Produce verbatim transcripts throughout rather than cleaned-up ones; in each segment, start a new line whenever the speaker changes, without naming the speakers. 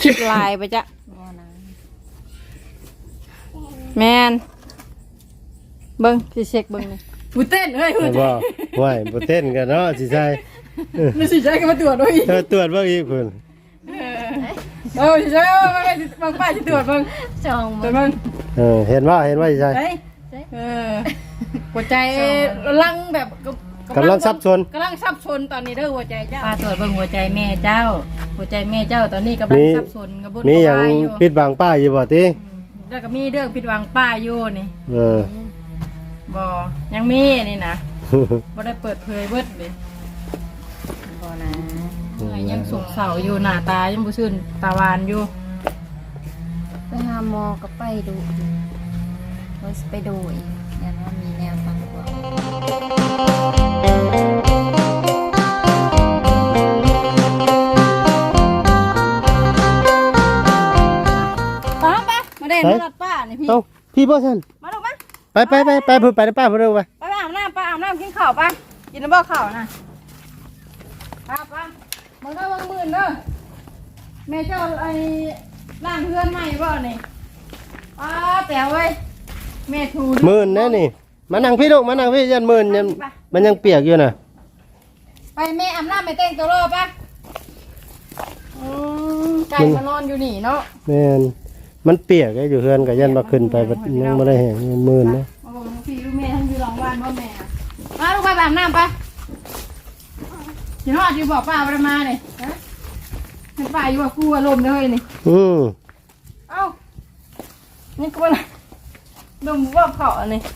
ลายไปจ้ะแมนเบิ้งสิเช็คเบิ้งนี่บุเต้นเฮ้ยบุเต้น
บ่ไหวบ่เต้นกันเนาะสิใช่
ไม่สิใช่ก็มาตรวจด้วย
เออตรวจเบิ่งอีกเพิ่น
เออสิใช่มาไปบางป้ายสิตรวจเบิ้ง
จอง
ตรวจเบิ้ง
เออเห็นว่าเห็นว่าสิใช่
เออหัวใจลังแบบ
กำลังซับซ้อน
กำลังซับซ้อนตอนนี้เด้อหัวใจเจ้า
ป้าตรวจเบิ่งหัวใจแม่เจ้า หัวใจแม่เจ้าตอนนี้กำลังสับสนกับบุญ
มีหยัง
วายอยู่
ปิดบังป้าอยู่บ่ติ
แล้วก็มีเรื่องผิดหวังป้าอยู่นี่
เออ
บ่ยังมีนี่นะบ่ได้เปิดเผยเบิดเลยบ่นะเมื่อยยังสุกเสาอยู่หน้าตายังบ่ชื่นตาหวานอยู่
ไปหาหมอก็ไปดูว่าสิไปดูอีกยันว่ามีแนวทางกว่า
ป้าป้ามาเด่นมาลัดป้านี่พี่
เอ้าพี่บ่ซั่น
มาลูกมา
ไปไปไปไปเพิ่นไปป้าเพิ่นเร็วไป
ไปอาบน้ำป้าอาบน้ำกินข้าวป้ากินน้ำบ่อข้าวนะป้าป้ามึงได้วางมื่นเด้อแม่เจ้าไอ้ร่างเพื่อนใหม่บ่นี่ป้าแป๋วเว้ยแม่ทู
หมื่นแน่นี่มานั่งพี่ลูกมานั่งพี่ยันหมื่นยังมันยังเปียกอยู่น่ะ
ไปแม่อาบน้ำไปแต่งตัวรอป้าอืมไก่มานอนอยู่นี่เนาะ
แม่นมันเปียกไอ้อยู่เฮือนก็ยันบ่ขึ้นไปบัดยังบ่ได้แห้งหมื่นนะ
มาบอกพี่ลูกแม่ทั้งอยู่หลังบ้านพ่อแม่อะมาลูกไปอาบน้ำป้ากินฮอดอยู่บอกป้าไปมาเลยฮะเห็นป้าอยู่ว่ากูอารมณ์เลยนี่
อืม
เอ้า นี่ก็มันดมว่าเผาอันนี้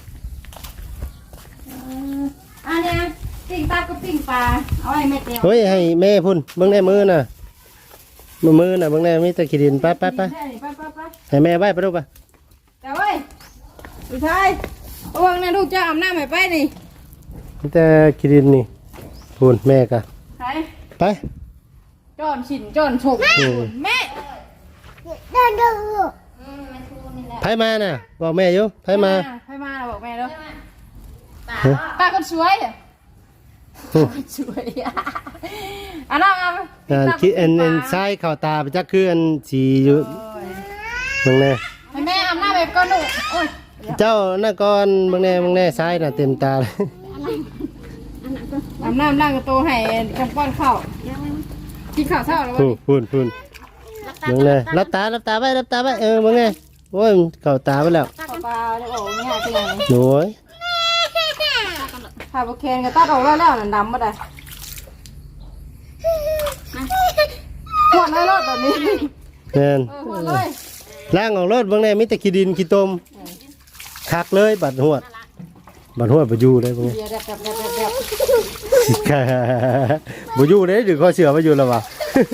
อันนี้ปิ้งปลาก็ปิ้งปลา เอาไว้แม่เตียว
เฮ้ยให้แม่พุ่นเบิ่งแน่มือน่ะมือมือน่ะเบิ่งแน่มีแต่ขี้ดินไปไปไป
ไปไปไปไป
ให้แม่ไว้ไปลูกไป
แต่เว้ยผู้ชายระวังนะลูกจะอาบน้ำให้ไปนี่
มีแต่ขี้ดินนี่พุ่นแม่กะ
ไป
ไป
จอนฉินจอนฉก
อืม
แม่
ไผมาน่ะบอกแม่อยู่ไผมา
ไปมาบอกแม่แล้ว
ฮะ
ป้าคนสวยอะสวยอะอันนั้นเอา
อ่าคิดอันอันซ้ายเข้าตาไปจักคืออันสีอยู่เบิ่งแน่
ให้แม่อาบน้ำแบบก้อนหนูโอ้ย
เจ้าน่ะก่อนเบิ่งแน่เบิ่งแน่ซ้ายน่ะเต็มตาเลย
อาบน้ำล้างกระโตให้กำป้อนข้าวกินข้าวเช้าแล้ววะ
พุ่นพุ่นพุ่นเบิ่งแน่รับตารับตาไว้รับตาไว้เออเบิ่งแน่โอ้ยมันเข้าตาไปแล้ว
ข้าวปลาเนี่ยโอ้ไม่หาที่ไหน
โอ้ย
ข้าวโบเคนก็ตัดออกแล้วแล้วนั่นดำมาได้หวดเลยรถแบบนี้
แม่น
เออหวดเลย
ล้างออกรถเบิ่งแน่มีแต่ขี้ดินขี้ตมคักเลยบัดหวดบัดหวดบ่อยู่เลยเบิ่งแน่
เดี๋ยวแบบแบบแบบแบบ
บ่อยู่เลยดึงคอเสือมาอยู่แล้ววะ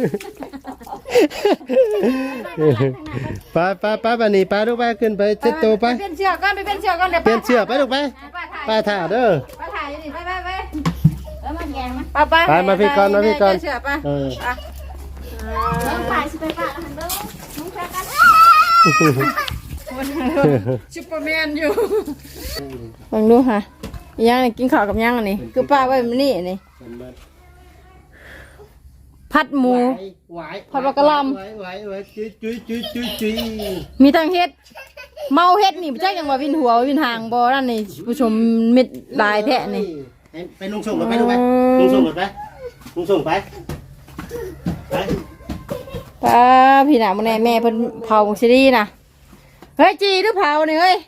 ไปไปไปบัดนี้ไปลูกไปขึ้นไปเช็ดตัวไป
เปลี่ยนเชือกก่อนไปเปลี่ยนเชือกก่อนเดี๋ยว
เปลี่ยนเชือกไปลูกไปไปถ่าเด้อ
ไปถ่ายอยู่นี่ไปไปไป
แล้วมันแยงมั้ย
ไปไป
ไปมาพี่ก่อนมาพี่ก่อน
เชือกไป
เออ
ต้องขายสิไปป้าแล้วหันเบิ่งมึงแค่กัน
ซุปเปอร์แมนอยู่ลองดูค่ะย่างนี่กินข้าวกับย่างอันนี้คือป้าไว้มันนี่นี่ผัดหมู ผัดบักกะหล่ำ
ไหวไหวไหวจุ้ยจุ้ยจุ้ยจุ้ยจุ้ย
มีทั้งเฮ็ดเมาเฮ็ดนี่บ่จักยังว่าวินหัววินหางบ่นั่นนี่ผู้ชมมิดลายแท้นี่
ไปนุ่งส่งก่อนไปลูกไปนุ่งส่งก่อนไปนุ่งส่งไปไป
ป้าพี่น่ะมื้อนี้แม่เพิ่นเผาซิดีน่ะเฮ้ยจีหรือเผานี่เฮ้ย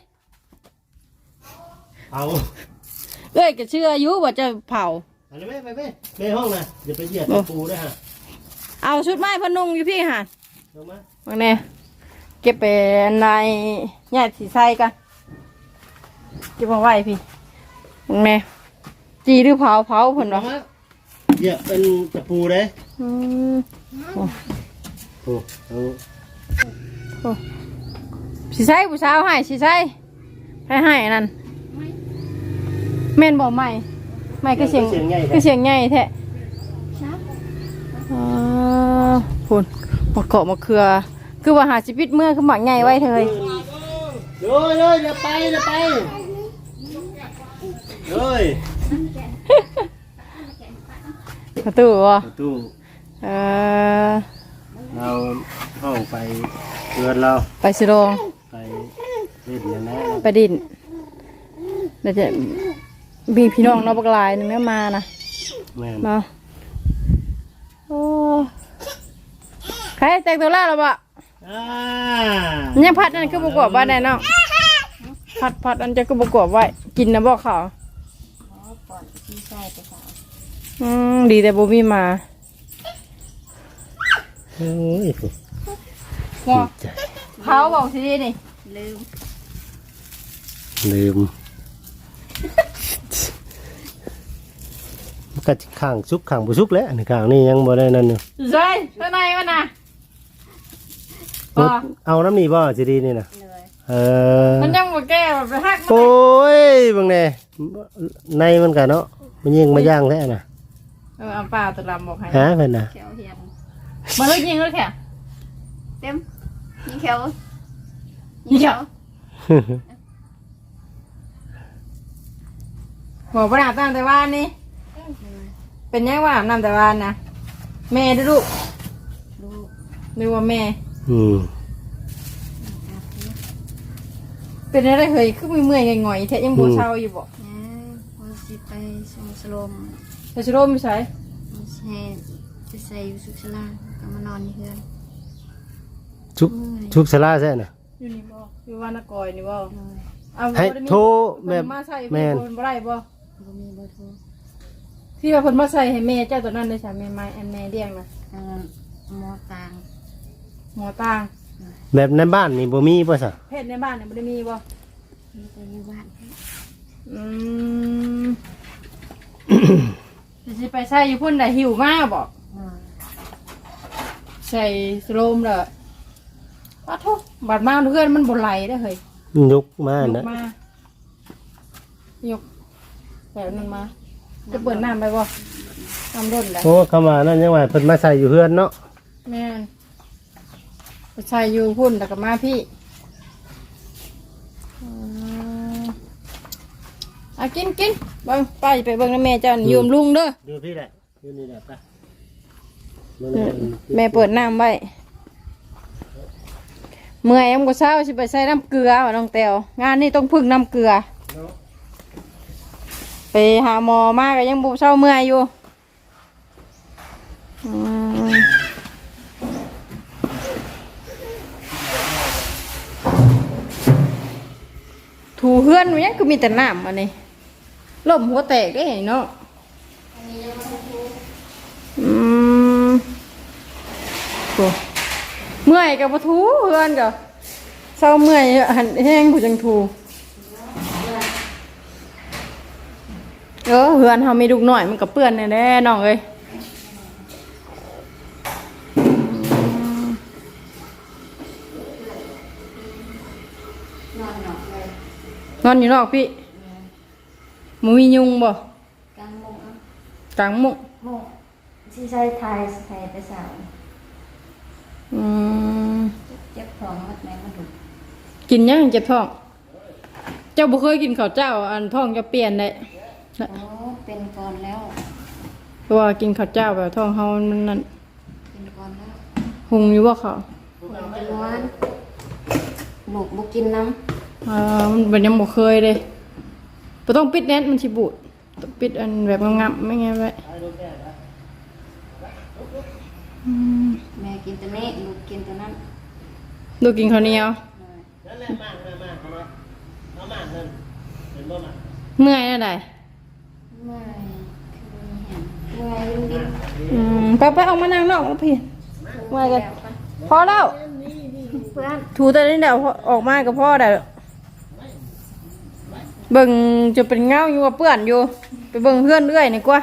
เอา
เอ้ยก็เชื่ออยู่ว่าจะเผา
อันนี้ไปไปไปในห้องนะอย่าไปเหยียบปูด้วยฮะ
เอาชุดไม้พนุ่งอยู่พี่หั่น
ลงมา
มื้อนี้เก็บไปในญาติสิใส่กันเก็บมาไว้พี่มื้อนี้จีหรือเผาเผาเพิ่น
ล
ว่าง
มาเหยียบเป็นตะปูเลย
อืม
โอ้เอา
สิใส่ผู้สาวให้สิใส่ให้ให้อันนั่นแม่นบ่ใหม่ใหม่ก็เสียงก็เสียงใหญ่แท้อ๋อพุ่นมะเกาะมะเขือคือว่าหาชีวิตเมื่อคือหมักใหญ่ไว้เถย
โอ้ยเลยอย่าไปอย่าไปเลย
ประตูบ่
ประตู
เออ
เราห้องไปเรือนเรา
ไปสิโรง
ไปเล่นอย่างนั้น
ไปดินเดี๋ยวจะมีพี่น้องเนอกบักหลายหนึ่งเนี่ยมานะ
แม่น
มาโอ้ใครแต่งตัวแล้วหรอปะ
อ่า
ยังพัดนั่นคือประกอบไว้แน่น้องพัดพัดอันจะคือประกอบไว้กินนะบอกเขา
อ๋อปอดที่ใส่ไปสาว
อืมดีแต่บ่มีมา
โอ้ย
ว่าเขาบอกสินี่
ลืม
ลืมมันก็ข้างซุกข้างบุซุกแล้วอันนี้ข้างนี่ยังบ่ได้นั่นอยู่
ใช่ข้างในมันนะ
รถเอาน้ำนี่บ่สิดีนี่นะ
เลย
เออ
มันยังบ่แก้แบบหักมัน
โอ้ยบางแน่ในมันกันเนาะมันยิงมาย่างแท้น่ะ
เออเอาปลาตัวดำบอกให้
ฮะเพิ่นน่ะ
เขียวเหียน
มาเลยยิงเลยแค่
เต็มยิงเขียว
ยิงเขียว บอกว่าอาบน้ำแต่ว่านนี่เป็นยังว่าอาบน้ำแต่ว่านนะแม่ด้วยลูก
ลูก
นึกว่าแม่
อืม
เป็นอะไรเคยคือมือเมื่อยๆหง่อยๆแท้ยังบ่เช้าอยู่บ่
นะว่าสิไปส่งสลม
แต่ชิโร่ไม่ใช่
มาแช่จะใส่อยู่สุขสลาก็มานอนที่เฮือน
ชุกชุกสลาแท้น่ะ
อยู่นี่บ่อยู่ว่านกอยนี่บ่
เลย
เอา
ให้
บ่ได้มี
โทรแบบ
เพิ่นมาใส่
แม่น
เพิ่นบ่ได้บ่
บ่มีเบอร์โทร
ที่ว่าเพิ่นมาใส่ให้แม่เจ้าตัวนั้นได้ใช่แม่ไม้อันแม่เลี้ยงน่ะ
อันนั้นหมอตาง
หมอต่าง
แบบในบ้านนี่บ่มีป่ะสะ
เพศในบ้านเนี่ยบ่ได้มีบ่
มีแต่อยู่บ้าน
อืม สิไปใส่อยู่พุ่นได้หิวมากบ่
เลย
ใส่สโลมเลยป้าทุกบาดมาเพื่อนมันบนไหลได้อเฮ้ย
ยกมาย
ก
นะ
มายกแบบนั้นมา จะเปิดน้ำไปบ่น้ำร่นได้
โอ้คำว่านั่นยังว่าเพิ่นมาใส่อยู่เฮือนเนาะ
แม่นไปใส่อยู่พุ่นแต่กับมาพี่อืมอ่ะกินกินเบิ่งไปไปเบิ่งนะแม่เจ้านี่ยืมลุงเด้อ
ดูพี่แหละอยู่นี่แหละไป
แม่เปิดน้ำไว้เมื่อยยังก็เช้าสิไปใส่น้ำเกลือว่ะน้องแตวงานนี้ต้องพึ่งน้ำเกลือ ไปหาหมอมากก็ยังบุเช้าเมื่อยอยู่อืมถูเฮือนมันยังคือมีแต่น้ำอันนี้ล่มหัวแตกได้เนาะอืมโอ้เมื่อยกับปะทูเฮือนกับเช้าเมื่อยหันแห้งผู้จังทูเออเฮือนเขามีลูกหน่อยมันกับเปื้อนแน่ๆน้องเอ้ยนอนอยู่นอกพี่หมูมียุงบ่
กลางมุงเอา
กลางมุก
มุงที่ใส่ไทยใส่ไปสาว
อืม
เจ็บท้องมัดแม่มันถูก
กินยังเจ็บท้อง เจ้าบ่เคยกินข้าวเจ้าอันท้องจะเปลี่ยนได้
โอ้เป็นก่อนแล้ว
เพราะว่ากินข้าวเจ้าแบบท้องเฮามันนั่น
เป็นก่อนแล้ว
หุงอยู่บ่เขา
หนูเป็นวันหนูบุกินน้
อ่ามันเป็นยังบ่เคยเลยบ่ต้องปิดแน่นมันสิบูดต้องปิดอันแบบงับๆไม่งั้นไว้อืม
ำแม่กินตัวนี้ลูกกินตัวนั้น
ดูกินข้าวเหนียว
นั่นแหละมากมากมากเอามาเอามากนั่นเห็นบ่มา
เมื่อยแล้วได้
ไม่คือเห็นเมื่อยลุงดิน
อืมไปไปออกมานั่งนอกแล้วพี่เมื่อยกันพอแล้ว
เพื่อน
ถูแต่นี้เดี๋ยวออกมากับพ่อได้เบิ่งจะเป็นเงาอยู่กับเปื้อนอยู่ ไปเบิ่งเพื่อนเรื่อยนี่กว่า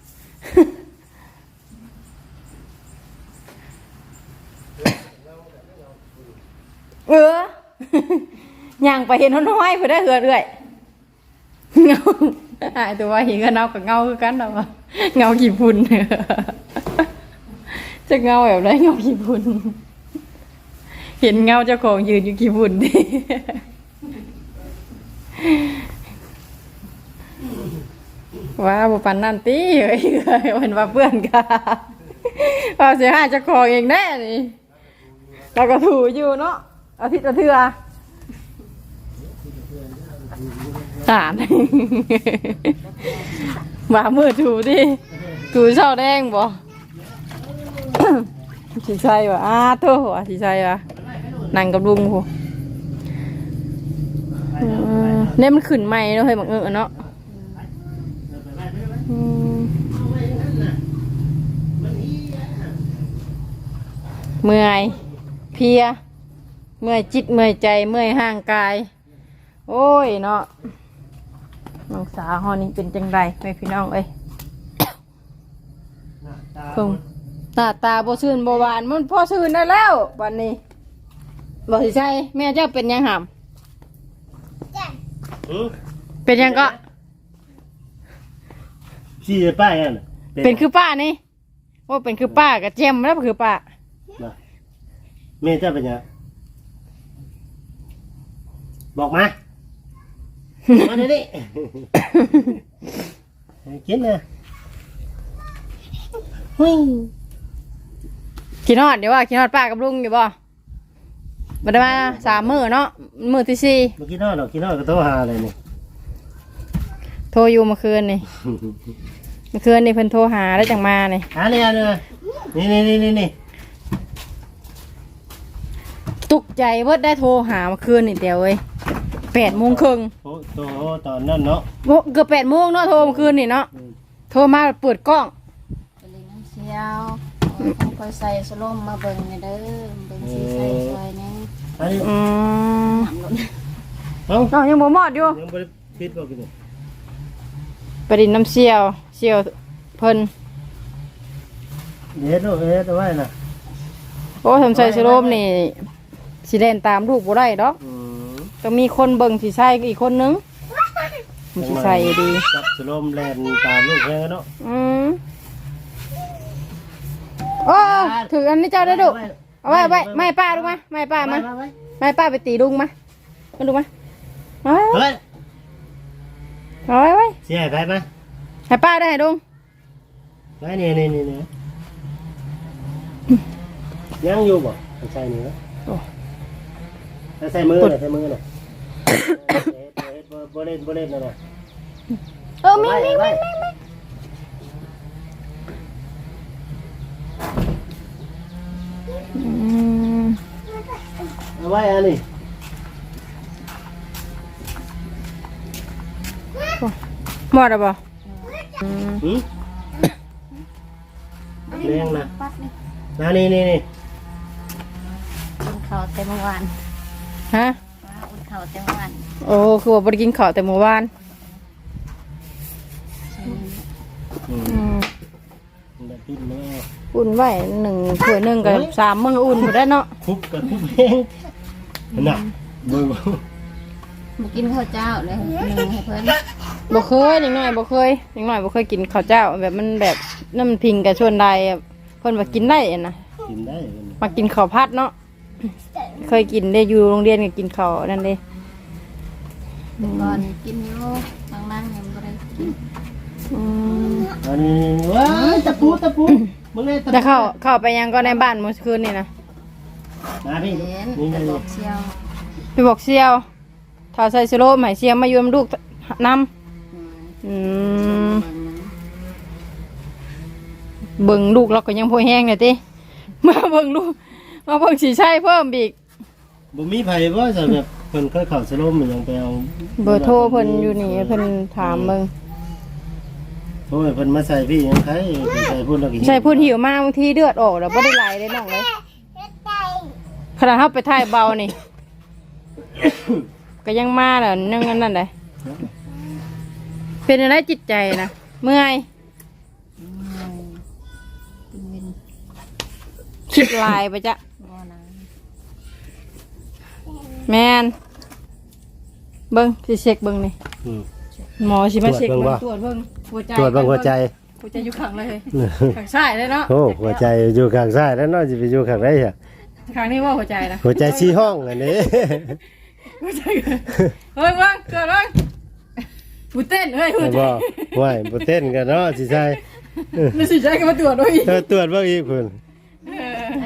เออย่างไปเห็นน้อยๆเพื่อได้เหือดเรื่อยเงาหายตัวว่าเห็นกันเงากับเงาคือกันเนาะเงากี่พุ่น จะเงาแบบไรเงากี่พุ่นเห็นเงาเจ้าของยืนอยู่กี่พุ่นดิ ว่าบุปันนันตีเฮ้ยเห็นว่าเพื่อนกันว่าเสียหายเจ้าของเองแน่นี่แล้วก็ถูอยู่เนาะอาทิตย์ละเทื่อตาด บ่ามือถูดิถูเช้าแดงบ่ สีใส่วะอ้าโธ่วะสีใส่วะนั่งกับลุงโหเนี่ยมันขึ้นใหม่เนาะเฮ้ยบังเอิญเนาะอืมเมื่อยเพลียเมื่อยจิตเมื่อยใจเมื่อยห่างกายโอ้ยเนาะน้องสาวฮอนี่เป็นจังไรไม่พี่น้องเอ้ยคงหน้าตาบ่ชื่นบ่หวานมันพอชื่นได้แล้ววันนี้บ่สิใช่แม่เจ้าเป็นยังหำเป็นยังก็
ชี้ป้าอย่างน่ะ
เป็นคือป้านี่ว่าเป็นคือป้ากับเจมแล้วคือป้า
แม่เจ้าเป็นยังบอกมามาเดี๋ยวนี้กินนะหุ้ย
กินฮอดเดี๋ยวว่ากินฮอดป้ากับลุงอยู่บ่มาได้มาสามมื้อเนาะมื้อที่สี่
เมื่อกี้นอนหรอกินนอนก็โทรหาอะไรนี่
โทรอยู่เมื่อคืนนี่เมื่อคืนนี่เพิ่นโทรหาแล้วจังมานี่
หาเนี่ยเนี่ยนี่นี่นี่นี่นี่
ตุกใจเบิดได้โทรหาเมื่อคืนนี่เดียวเว้ยแปดโมงครึ่ง
โอ้โตตอนนั้นเนาะ
โมเกือบแปดโมงเนาะโทรเมื่อคืนนี่เนาะโทรมาเปิดกล้อง
ไปเลยน้ำเชียวต้องคอยใส่สโลมมาเบิ่งในเด้อเบิ่งสีใส่ซอยนี่
อันนี้
อืม
น้ำล้น
เอ้า
น้องยังบ่มอดอยู่
ยังไม่ได้ปิดบอกกินเลย
ไปดินน้ำเชี่ยวเชี่ยวเพิ่น
เฮ็ดเอาเฮ็ดเอาไว้น่ะ
โอ้ทำใส่สโลมนี่สิเล่นตามลูกบ่ได้ดอก
อืม
ต้องมีคนเบิ่งสิใส่อีกคนนึงมันสิใส่ดี
จับสโลมแลนตามลูกแค่เนาะ
อืมโอ้ถืออันนี้เจ้าได้ดุเอาไว้เอาไว้ไม่ป้าดูมาไม่ป้ามาไม่ป้าไปตีลุงมามาดูมาเอาไว้
เฮ้ย
เอาไว้เอาไว้
เสียไปไหม
ให้ป้าได้ให้ลุง
ไปนี่นี่นี่นี่ยังอยู่บ่ใส่นี่เนาะใส่มือหน่อยใส่มือหน่อยบ่เล่นบ่เล่นนะ
เออมีมีมีมีมีอืม
เอาไว้อันนี้
หมดแล้วบ่อืม
หืมแรงนะ
ปัดนี่
นะนี่นี่นี่
กินข้าวแต่เมื่อวาน
ฮะ
ว่าอุ่นข้าวแต่เมื่อวาน
โอ้คือว่าบ่ได้กินข้าวแต่เมื่อวาน
อืม
อืม
แบบปิ้นแม่
อุ่นไว้หนึ่งถ้วยหนึ่งกับสามมื้ออุ่นบ่ได้เนาะ
คุบกับคุบเองน่ะเบิ่ง
มากินข้าวเจ้าเลยหนึ่งให้เพิ่น
บ่เคยนิดหน่อยบ่เคยนิดหน่อยบ่เคยกินข้าวเจ้าแบบมันแบบน้ำพิงกับชวนใดอะเพิ่นว่ากินได้อะนะ
กินได้
มากินข้าวผัดเนาะเคยกินได้อยู่โรงเรียนก็กินข้าวนั่นเด้
แต่ก่อนกินอยู่บางนั่งยังบ่ได้กิน
อืม
อันนี้ว้ายตะปูตะปูมึงเลยตะปู
จะเข้าเข้าไปยังก็ในบ้านเมื่อคืนนี่นะ
มาพี่
เห็น
นี่
แต่
นี่
บอกเชียว
ไปบอกเซียวถ้าใส่สโลมให้เซียวมาอยู่นำลูกนำ
อืม
อืมเบิ่งลูกเราก็ยังพอแห้งเลยติมาเบิ่งลูกมาเบิ่งสีใช่เพิ่มอีก
บ่มีไผบ่จะแบบเพิ่นเคยเข้าสโลมมันยังไปเอา
เบอร์โทรเพิ่นอยู่นี่เพิ่นถามเบิ่ง
โอ้ยเพิ่นมาใส่พี่ยังไงเพิ่นใส่พุ่นแล้วกิน
ใช่พูดหิวมากบางทีเลือดออกแล้วบ่ได้ไหลเลยน้องเลยขณะเฮาไปถ่ายเบานี่ ก็ยังมาแล้วนั่งอันนั่นได้เป็นอะไรจิตใจนะเมื่อย
เป็นเวน
คิดลายไปจ้ะ
บ่นะ
แมนเบิ้งสิเช็คเบิ้งนี่
อืม
หมอสิมาเช็ค
ตรวจเบิ่
เบิ้
ง
ง
บ่
ตรวจเบิ้งหัวใจ
ตรวจบางหัวใจ
หัวใจอยู่ข้างเลยข้างซ้ายเลยเนาะ
โอ้หัวใจอยู่ข้างซ้ายแล้วเนาะสิไปอยู่ข้างไหนอ่ะ
ข้างนี้ว่าหัวใจนะ
หัวใจชี้ห้องอันนี้
หัวใจเฮ้ยว่างเกิดว่างบุเต้นเฮ้ยหัวใจ
บ่ไหวบ่เต้นกันเนาะสิใช่
ไม่สิใจก็มาตรวจด้วยอีก
เออตรวจเบิ่งอีกพุ่น
เออ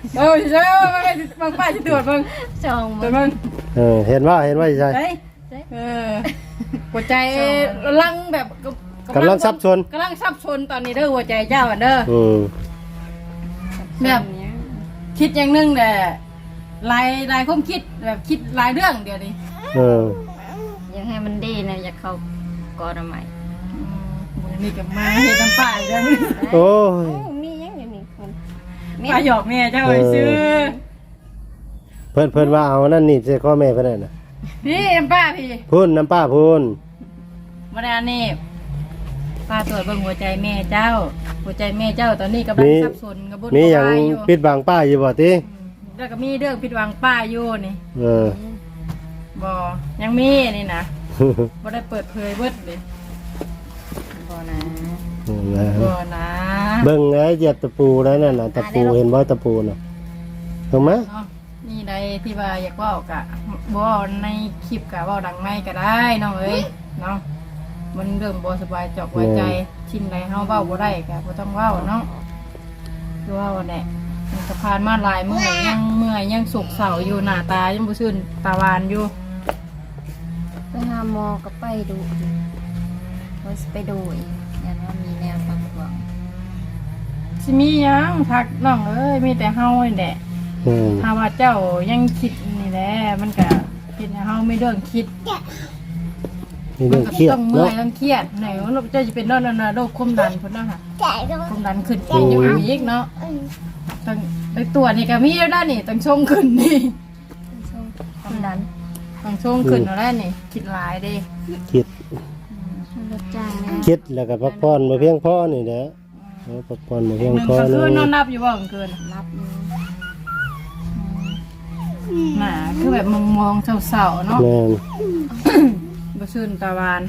เออเจ้ามันไม่บางป้าจะตรวจเบิ่ง
จอง
ตร
มั
วจ
น
เบิ่ง
เออเห็นว่าเห็นว่าใช่
เฮ้ยเออหัวใจลังแบบ
กำลังซับซ้อน
กำลังซับซ้อนตอนนี้เด้อหัวใจเจ้าอันเด้อ
อืม
แบบคิดอย่างหนึงแต่ลายลายความคิดแบบคิดหลายเรื่องเดี๋ยวนี้
เออ
อยากให้มันดีนะอยากเข้ากอดใหม่
มือนี่กับมาเฮ็ดน้ำป้าอีกแล้ว
โอ้ย
มียังอยู่นี่คน
ป้าหยอกแม่เจ้าไปซื้อ
เพิ่นเพิ่นว่าเอานั่นนี่ใส่ข้อแม่เพิ่นนั่นน่ะ
พี่น้ำป้าพี่
พูนน้ำป้าพูน
มาดานี่ป้าตรวจเบิ่งหัวใจแม่เจ้า หัวใจแม่เจ้าตอนนี้กำลังสับสนกับบุญ
มีหยัง
วายอยู่
ปิดบังป้าอยู่บ่ติ
แล้วก็มีเรื่องผิดหวังป้าอยู่นี่
เออ
บ่ยังมีนี่นะบ่ได้เปิดเผยเบิดเลย
บ่นะ
บ่นะ
เบิ่งไอ้เหยียบตะปูแล้วนั่นน่ะตะปูเห็นบ่ตะปูน่ะถูกไหม
เนาะนี่ใดที่ว่าอยากเว้ากะบ่ในคลิปกะเว้าดังในก็ได้น้องเอ้ยเนาะมันเรื่องบ่สบายจอกไว้ใจชิ้นใดเฮาเว้าบ่ได้ก็บ่ต้องเว้าเนาะคือเว้าแหละมันสะพานมาหลายมื้อยังเมื่อยยังสุกเสาอยู่หน้าตายังบ่ชื่นตาหวานอยู่
ไปหาหมอก็ไปดูอยู่ว่าสิไปดูอีกยันว่ามีแนวทางหวัง
สิมีหยังทักน้องเอ้ยมีแต่เฮานี่แหละ
อืม
ถ้าว่าเจ้ายังคิดนี่แหละมันก็คิดให้เฮาไม่เรื่องคิด
มีเรื่องเครียด
ต้องเมื่อ
เนาะ
ยต้องเครียดไหนว่าเจ้าจะเป็นโรคนั่นน่ะโรคความดันพุ่นเนาะค่ะความดันขึ้นกินอยู่อีกเนาะต้องไอ้ตัวนี่ก็มีแล้วด้านนี่ต้องชงขึ้นนี่
ความดัน
ต้องชงขึ้นแล้วแหละนี่คิดหลายเด้
คิด
รถจ้างแม่
คิดแล้วก็พักผ่อนบ่เพียงพอนี่แหละเออพักผ่อนบ่เพียง
หนึ่ง
พอ
ก็
เล
คือย นอนนับอยู่บ่กลางคืน
รับอยู่
น่ะคือแบบมองๆเศร้าๆเนาะ
แม่น
บ่ชื่นตาหวาน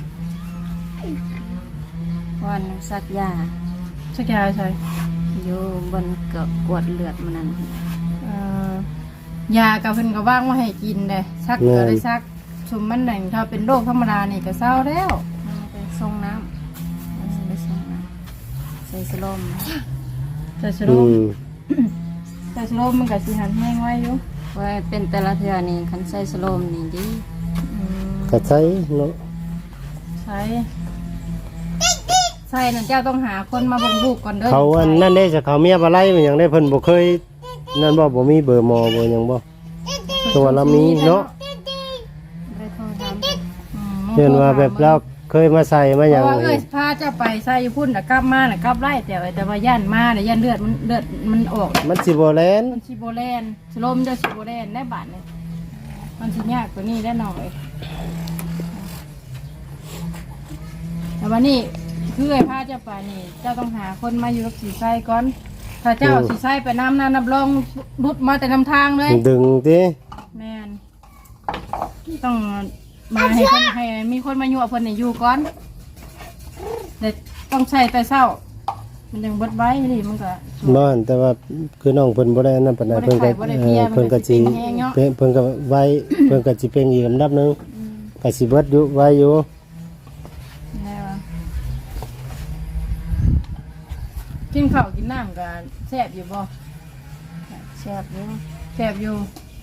วันสักยา
สักยาใช่
อยู่บนเกาะกวดเลือดมันนั่น
เอ่อยากับเพิ่นก็ว่างมาให้กินเด้ซักก็ได้ซักสมมันหนึ่งถ้าเป็นโรคธรรมดานี่ก็เศร้าแล้ว
เอาไปส่งน้ำเอาไปส่งน้ำใส่สโลม
แต่สโล
อื
ม
ม
แต่สโลมมันก็สิหันแห้งไว้อยู่
ว่าเป็นแต่ละเทือนี่คันใส่สโลมนี่ดี
อืม
ก็ใช้เนาะ
ใช่ใช่นั่นเจ้าต้องหาคนมาเบ่งลูกก่อนเด้อ
เขาอันนั่นได้จะเขาเมียบ่ไล่มันหยังได้เพิ่นบ่เคยนั่นบ่บ่มีเบอร์หมอบ่หยังบ่ตัวเรามีเนาะ
ไปโทรถาม
อืม
เห็นว่าแบบเราเคยมาใส่มา
เพ
หยัง
ราะว่าเอ้ยพาเจ้าไปใส่อยู่พุ่นน่ะกลับมาน่ะกลับไล่แต่ว่าแต่ว่าย่านมาน่ะย่านเลือดมันเลือดมันออก
มันสิบ่แลน
มันชิโบแลนสโลมเจ้าชิโบแลนได้บาทเลยมันสิยากกว่านี้ได้หน่อยแต่วันนี้คือไอ้ผ้าเจ้าป่านี่เจ้าต้องหาคนมาอยู่กับสีไส้ก่อน ถ้าเจ้าสีไส้ไปน้ำน้ำนับรองรุดมาแต่นำทางเลย
ดึงติ
แมนต้องมาให้คนให้มีคนมาอยู่กับคนนี่อยู่ก่อนเด็กต้องใช้แต่เศร้า มันยังเบดไว้นี่มันก็
บ่อันแต่ว่าคือน้องเพิ่นบ่ได้นั่นปานใดเพิ่นก็
บ่ได้
เอ
เพีย
อ
มันก็
เพิ่นก็สิ
สิเป็นแฮงเนาะ
เพิ่นเพิ่นก็ไว้ เพิ่นก็สิเป็นอีกลำดับหนึงก็สิเบิดอยู่ไว้อยู่
ได้ปะกินข้าวกินน้ำกันแซ่บอยู่บ่
แซ่บอยู่
แซ่บอยู่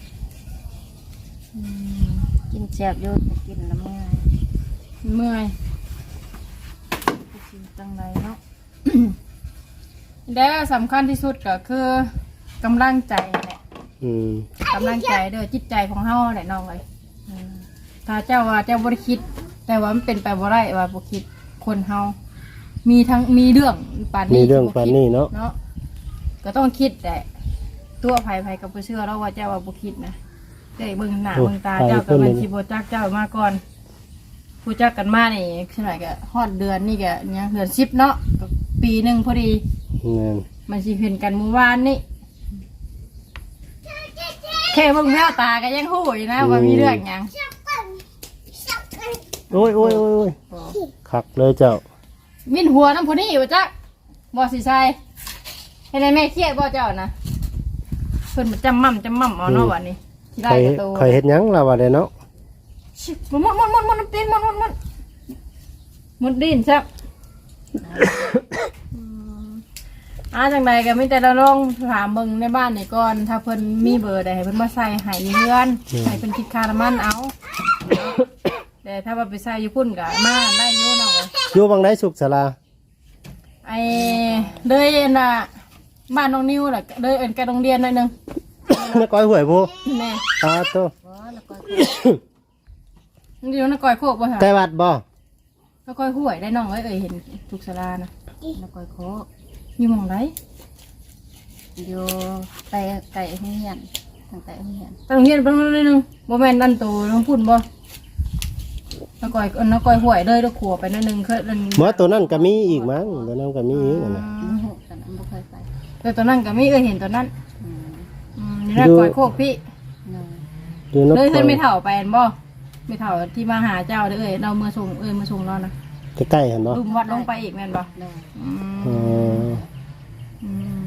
กินแซ่บอยู่แต่กินแล้วเมื่อย
เมื่อยไปกินจังไรเนาะ แล้วสำคัญที่สุดก็คือกำลังใจแหละ
อืม
กำลังใจเด้อจิตใจของเฮาแหละน้องเลยอืมถ้าเจ้าว่าเจ้าบ่ได้คิด แต่ว่ามันเป็นไปบ่ได้ว่าบ่คิดคนเฮามีทั้งมีเรื่องปานนี้
มีเรื่องปานนี้เนาะ
เนาะก็ต้องคิดแต่ตัวภัยภัยกับบ่เชื่อแล้วว่าเจ้าว่าบ่คิดนะได้เบิ่งหน้าเบิ่งตาเจ้าก็มันสิบ่จักเจ้ามาก่อนผู้จักกันมานี่คือหน่อยก็ฮอดเดือนนี่ก็เนี่ยเดือนสิบเนาะก็ปีหนึงพอดี
แม่น
มันสิเห็นกันเมื่อวานนี่แค่เบิ่งแววตาก็ยังฮู้อยู่นะว่ามีเรื่องหยัง
โอ้ยโอ้ยโอ้ยโอ้ยคักเลยเจ้า
มินหัวน้ำพอนี่ว่าจักบ่สิใช่ให้ได้แม่เครียดบ่เจ้านะเพิ่นมาจำมั่มจำมั่มเอาเนาะวันนี้สิได้
ใคร
กระโต
ใครเฮ็ดหยังล่ะว่าได้เนาะ
ชิบมันมันมันมันมันตีนมันมันมันมันดินซับอาจังใดก็มีแต่เราลองถามเบิ่งในบ้านนี่ก่อนถ้าเพิ่นมีเบอร์ใดให้เพิ่นมาใส่ให้อยู่เฮือนให้เพิ่นคิดค่าน้ำมันเอาแต่ถ้าว่าไปใส่อยู่พุ่นก็มาได้อยู่เนาะ
อยู่บางไดสุขศาลา
ไอ้เลยน่ะบ้านน้องนิวน่ะเลยเอิ้นแกโรงเรียนหน่อยนึง
นักก้อยหวยผู้
แม่
ตาโต
บ่แล้วก็
มันอยู่ในก้อยโคกบ่ฮะ
ใกล้วัดบ่
แล้วก้อยห้วยได้น้องเอ้ยเอ้ยเห็นทุกศาลานะ
แล้วก็โค
อยู่หม่องใด
อยู่ไปไก่เฮียนทางไก่เฮียน
ไปโรงเรียนเพิ่นหน่อยนึงบ่แม่นนั่นโตน้องพุ่นบ่แล้วก้อยเอิ้นแล้วก้อยห้วยเลยแล้วขัวไปหน่อยนึงเคยเอิ้น
หมอตัวนั้นก็มีอีกมั้งตัวนั้นก็มีอีกนั่นน่ะ
บ่ฮู้แต่นั้นบ่เคยไป
แต่ตอนนั้นก็มีเอ้ยเห็นตอนนั้น
อืม
อืมนี่น่ะก้อยโคกพี่
เนาะ
อยู่น
เลย
ค
เพิ่น
ร
ไม่เฒ่าไปอันบ่ไม่เฒ่าที่มาหาเจ้าเด้อเอ้ยเราเมื่อส่งเอ้ยมาส่งเรานะ
ใกล้ๆหั่นบ่
ลุมวัดลงไปอีกแม่นบ่
เนาะ
อืม
อ๋อ
อืม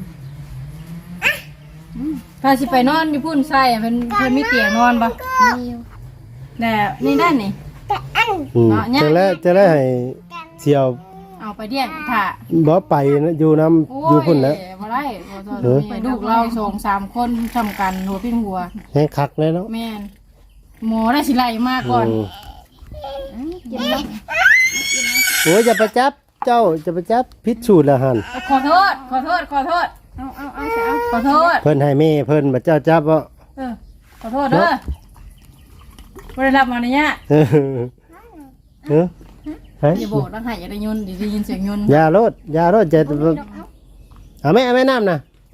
ถ้าสิไปนอนอยู่พุ่นใส่เพิ่นเพิ่นมีเตียงนอนบ่
มีอยู่
แต่นี่ด้านนี่
อืม
เนาะเนี่ย
จะแล้วจะแล้วให้เสี่ยว
เอาไปเลี้ยงถ้า
บ่ไปนะอยู่น้ำ
โอ้
อยู่พุ่นนะ
บ่ได้บ่ต้อง
เออ
ไปลูกเราสองสามคนทำกันหัวปิ้นหัว
ให้คักเลยเนาะ
แม่นหมอได้สิไล่มาก่อน
อืม
อืมกินแล้ว
โอ้ยจะไปจับเจ้าจะไปจับพิษสูจน์ละหั่น
ขอโทษ ขอโทษ ขอโทษ
เอาเอาเอาจะเอา
ขอโทษ
เพิ่นให้แม่เพิ่นบัดเจ้าจับบ่
เออ ขอโทษเด้อบ่ได้รับมาเนี่ย
เออเออเฮ้ย
อย่าบอกต้องให้อย่าได้ยุนได้ยินเสียงยุน
ยาโลดยาโลดจะเอาแม่เอาแม่น้ำนะ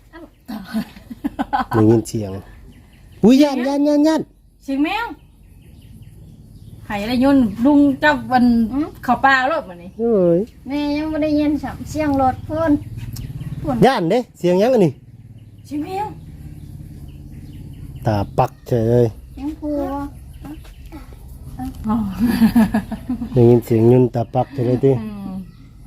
ได้ยินเสียงอุ้ยยันยันยันยัน
เสียงแมวให้อย่าได้ยุนลุงเจ้าวันเข้าป่ารถมานี่
โอ้ย
แม่ยังบ่ได้ยินสัมเสียงรถเพิ่น
ยันเด้เสียงยังอันนี้
เสียงแมว
ตาปักเฉยเลย
ยังพูว
อ๋อ
ได้ยินเสียงยุนตาปักเฉยเลยติ
อืม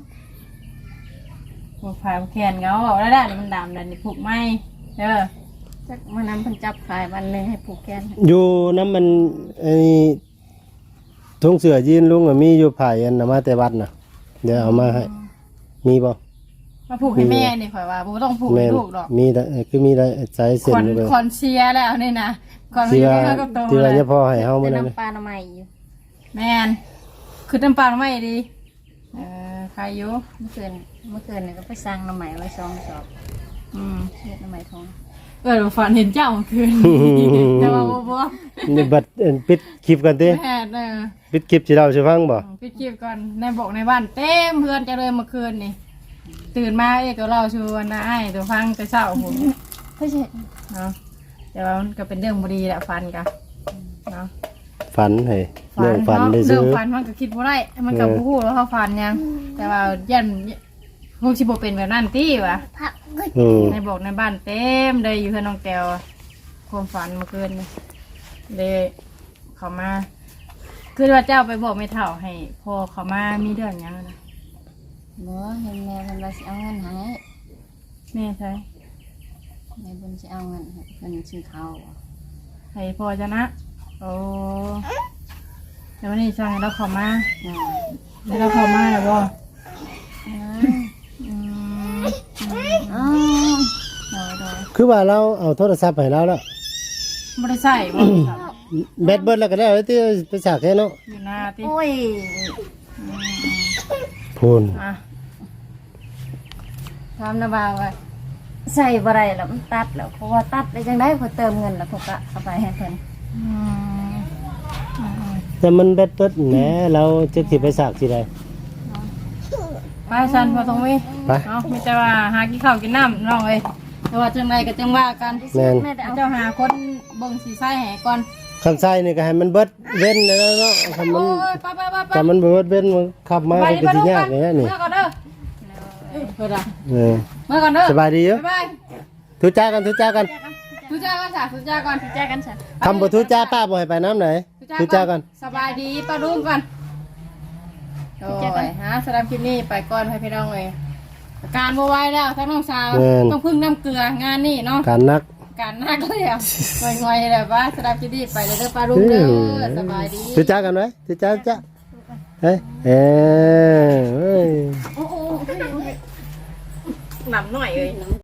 พวกผายแขนเงาเอาแล้วได้นี่มันดำแล้วนี่ผูกไหมเด้อ
จักมื้อนั้นเพิ่นจับขายวันหนึงให้ผูกแขน
อยู่น้ำมันไอ้ทงเสือยีนลุงอะมีอยู่ไผ่อันน่ะมาแต่วัดน่ะเดี๋ยวเอามาให้มีบ่
มาผูกให้แม่นี่ข่อยว่าบ่ต้องผูกให้
แม่น
ลูกหรอก
มีแต่คือมีได้สายเส้น
คอน
อยู่เลย
คอนเชียร์แล้วนี่นะคอน
ที่
เชีย
ว่า
ร์ก็โต
ที่
เล
ว่าย จะพอให้เฮา
แต่
มื้อนั้น
น้ำปลาหน่อไม้อยู่
แมนคือน้ำปลาไม่ดีเออใครอยู่
เมื่อคืนเมื่อคืนนี่ก็ไปสั่งหน่อไม้ไว้สองสอบ
อืม
เฮ็ดหน่อไม้ทอง
เออฝันเห็นเจ้าเมื่อคืนแต่ว่าบ่บ่
นี่บัดเอิ้นปิดคลิปกันติ
แม่เออ
ปิดคลิปสิเล่าสิฟังบ่
พี่คิวก่อนในบอกในบ้านเต็มเพื่อนจะเลยเมื่อคืนนี่ตื่นมาเอ้ก็เล่าชวนนะไอ้ตัวฟังแต่เช้าผม
เพิ่นสิ
เนาะแต่ว่ามันก็เป็นเรื่องบดีแหละฟันกันเนาะ
ฝันให้เรื่องฝัน
เนาะ
ได้
เรื่
ซื้
อง
อ
ฟันมันก็คิดว่าได้มันก็
เออ
บ่ฮู้แล้วเขาฟันยัง แต่ว่ายันคงสิบ่เป็นแบบนั้นติวะ
อืม
ในบอกในบ้านเต็มเลยอยู่เพื่อนน้องแก้วความฝันเมื่อคืนนี่เลยเขามาคือว่าเจ้าไปบอกไม่เท่าให้พอเขามามีเรื่องหยังนะ
บ่เห็นแม่เพิ่นว่าสิเอาเงินให้
แม่ใช่
แม่เพิ่นสิเอาเงินให้เพิ่นซื้อข้าว
ให้พอจะนะโอ้แต่วันนี้สั่งให้เราเขามา
อ่า
ให้เราเขามาแล้วบ่
อืม
อืม
อ๋อ
เดี๋ยวเดี๋ยว
คือว่าเราเอาโทรศัพท์ให้เราแล้ว
ไม่ได้ใส่บ่
แบตเบิดแล้วก็ได้เอาที่ไปสากแค่เนาะ
อยู่หน้าติ
โอ้ย
พูน
อ่ะ
ถามนะบ่าวว่าใส่บ่ได้แล้วมันตัดแล้วเพราะว่าตัดได้จังได๋เพิ่นเติมเงินแล้วเพิ่นก็เอาไปให้เพิ่น
อืมอืม
แต่มันแบตเบิดแหนเราจะสิไปสากสิได้
ไปสันพอตรงนี้
ไป
เนาะมีแต่ว่าหากินข้าวกินน้ำน้องเอ้ยแต่ว่าจังไรก็จังว่ากัน
แม่น
แม่ได้เอา
เจ้าหาคนเบิ่งสีไส้ให้ก่อน
คันใส่นี่ก็ให้มันเบิดเว้นแล้วเนาะคันมั
โอ้
น
ยไปไปไปไป
แต่มันเบิดเว้นมันขับมา
ไป
ก็
ไป
สิ
ดู
ยา
กั
ก
น
อย่างนี้นี่
เมื่อก่อนเด้อเพื่อนอะ
เออ
เมื่อก่อนเด้อ
สบายดีอยู่
บ๊ายบาย
ทุจ้ากันทุจ้ากัน
ทุจ้ากันจ้ะทุจ้าก่อน
แจกกันซะ
คำบ่ทุจ้าป้าบ่ให้ไปน้ำไหนทุจ้ากัน
สบายดีป้าลุงก่อนโอ้ยฮะสำหรับคลิปนี้ไปก่อนให้พี่น้องเลยอาการบ่ไหวแล้วทั้งน้องสาวต้องพึ่งน้ำเกลืองานนี่เนาะ
การนัก
การนักเลยอ่ะงอยๆเลยว่าสำหรับคลิปนี้ไปเลยเด้อป้าลุงเด้อสบายดี
ทุจ้ากันไว้ทุจ้าจ้าเฮ้ยเอ้ยเฮ้ย
โอ้โห
หนำหน่อยเลย